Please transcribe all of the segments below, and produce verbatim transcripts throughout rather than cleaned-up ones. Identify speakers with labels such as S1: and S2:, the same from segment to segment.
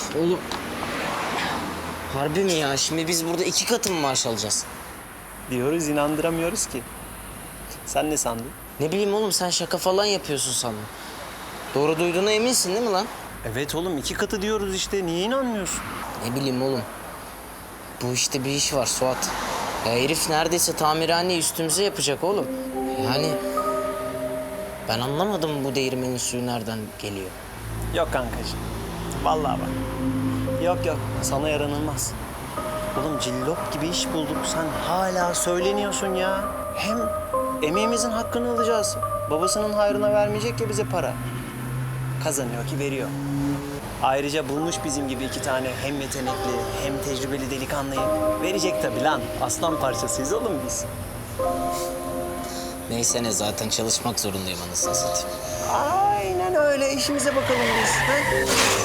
S1: Oğlum. Harbi mi ya? Şimdi biz burada iki katı mı maaş alacağız?
S2: Diyoruz, inandıramıyoruz ki. Sen ne sandın?
S1: Ne bileyim oğlum, sen şaka falan yapıyorsun sandım. Doğru duyduğuna eminsin değil mi lan?
S2: Evet oğlum, iki katı diyoruz işte. Niye inanmıyorsun?
S1: Ne bileyim oğlum. Bu işte bir iş var Suat. Ya herif neredeyse tamirhaneyi üstümüze yapacak oğlum. Yani ben anlamadım bu değirmenin suyu nereden geliyor.
S2: Yok kankacığım. Vallahi bak. Yok yok, sana yaranılmaz. Oğlum cillop gibi iş bulduk. Sen hala söyleniyorsun ya. Hem emeğimizin hakkını alacağız. Babasının hayrına vermeyecek ya bize para. Kazanıyor ki veriyor. Ayrıca bulmuş bizim gibi iki tane hem yetenekli hem tecrübeli delikanlıyı. Verecek tabii lan. Aslan parçasıyız oğlum biz.
S1: Neyse ne, zaten çalışmak zorundayım anasını satayım.
S2: Aynen öyle. İşimize bakalım biz. Ha?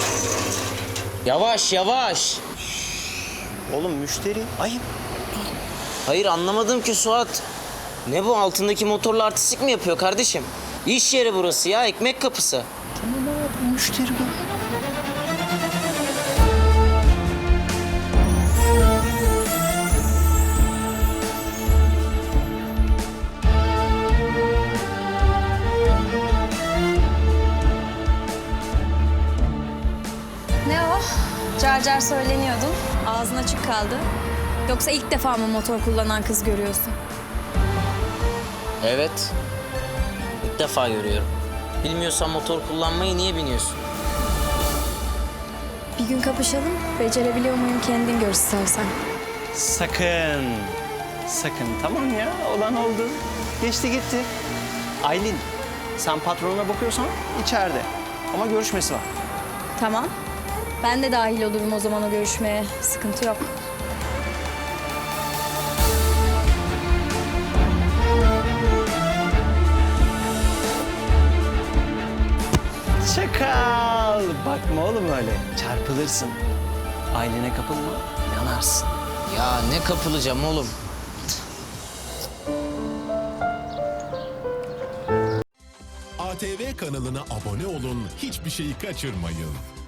S1: Yavaş yavaş.
S2: Oğlum müşteri. Ayıp.
S1: Hayır anlamadım ki Suat. Ne bu, altındaki motorla artistik mi yapıyor kardeşim? İş yeri burası ya, ekmek kapısı.
S2: Tamam abi, müşteri bu.
S3: Ne o? Car car söyleniyordun. Ağzın açık kaldı. Yoksa ilk defa mı motor kullanan kız görüyorsun?
S1: Evet. İlk defa görüyorum. Bilmiyorsan motor kullanmayı niye biniyorsun?
S3: Bir gün kapışalım. Becerebiliyor muyum kendin gör istersen.
S2: Sakın. Sakın, tamam ya. Olan oldu. Geçti gitti. Aylin, sen patronuna bakıyorsan içeride. Ama görüşmesi var.
S3: Tamam. Ben de dahil olurum o zaman o görüşmeye. Sıkıntı yok.
S2: Çakal. Bakma oğlum öyle. Çarpılırsın. Aylin'e kapılma, yanarsın.
S1: Ya ne kapılacağım oğlum?
S4: A T V kanalına abone olun, hiçbir şeyi kaçırmayın.